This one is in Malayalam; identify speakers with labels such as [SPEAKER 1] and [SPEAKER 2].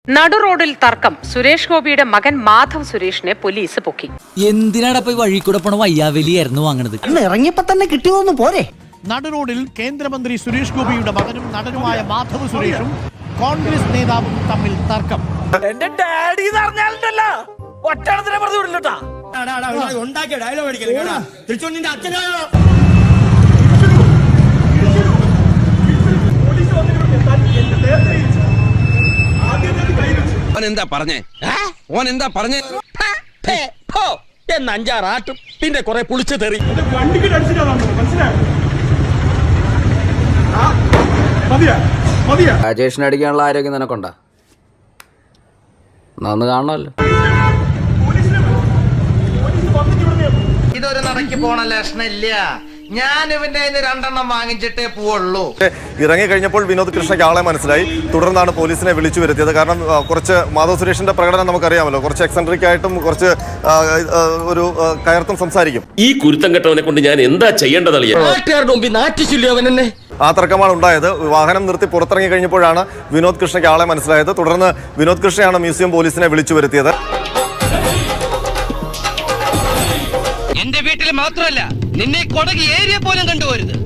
[SPEAKER 1] നടു റോഡിൽ തർക്കം. സുരേഷ് ഗോപിയുടെ മകൻ മാധവ് സുരേഷിനെ പോലീസ് പൊക്കി.
[SPEAKER 2] എന്തിനാടപ്പോ വഴി കൂടെ പോണ വയ്യാവലിയായിരുന്നു വാങ്ങണത്?
[SPEAKER 3] ഇറങ്ങിയപ്പോ തന്നെ കിട്ടിയതൊന്നും പോരെ.
[SPEAKER 4] നടുറോഡിൽ കേന്ദ്രമന്ത്രി സുരേഷ് ഗോപിയുടെ മകനും നടനുമായ മാധവ് സുരേഷും കോൺഗ്രസ് നേതാവും തമ്മിൽ തർക്കം.
[SPEAKER 5] എന്റെ ഡാഡി പറഞ്ഞാലുണ്ടല്ലോ ഒറ്റണത്തിനെ പറഞ്ഞു വിടില്ലട്ടാ.
[SPEAKER 6] എന്താ പറഞ്ഞേ? ഓൻ എന്താ പറഞ്ഞേ?
[SPEAKER 5] എന്നഞ്ചാറാട്ടും പിന്നെ കൊറേ പുളിച്ചു തെറി.
[SPEAKER 7] രാജേഷിനെ അടിക്കാനുള്ള ആരോഗ്യം നിനക്കൊണ്ടാ? നന്ന് കാണണമല്ലോ.
[SPEAKER 8] ഇതൊരു നടക്ക് പോണ ലക്ഷണില്ല. ഞാൻ ഇവന്റെ രണ്ടെണ്ണം വാങ്ങിച്ചിട്ടേ പോവുള്ളൂ.
[SPEAKER 9] ഇറങ്ങി കഴിഞ്ഞപ്പോൾ വിനോദ് കൃഷ്ണയ്ക്ക് ആളെ മനസ്സിലായി. തുടർന്നാണ് പോലീസിനെ വിളിച്ചു വരുത്തിയത്. കാരണം കുറച്ച് മാധവ് സുരേഷിന്റെ പ്രകടനം നമുക്കറിയാമല്ലോ. കുറച്ച് എക്സെൻട്രിക് ആയിട്ടും കുറച്ച് ഒരു കയർത്തും സംസാരിക്കും.
[SPEAKER 10] ഈ കുരുത്തം കെട്ടവനെ കൊണ്ട് ഞാൻ എന്താ ചെയ്യേണ്ടത്?
[SPEAKER 9] ആ തർക്കമാണ് ഉണ്ടായത്. വാഹനം നിർത്തി പുറത്തിറങ്ങി കഴിഞ്ഞപ്പോഴാണ് വിനോദ് കൃഷ്ണയ്ക്ക് ആളെ മനസ്സിലായത്. തുടർന്ന് വിനോദ് കൃഷ്ണയാണ് മ്യൂസിയം പോലീസിനെ വിളിച്ചു വരുത്തിയത്.
[SPEAKER 8] എന്റെ വീട്ടിൽ മാത്രമല്ല, നിന്നെ കൊടകി ഏരിയ പോലും കണ്ടുപോരുത്.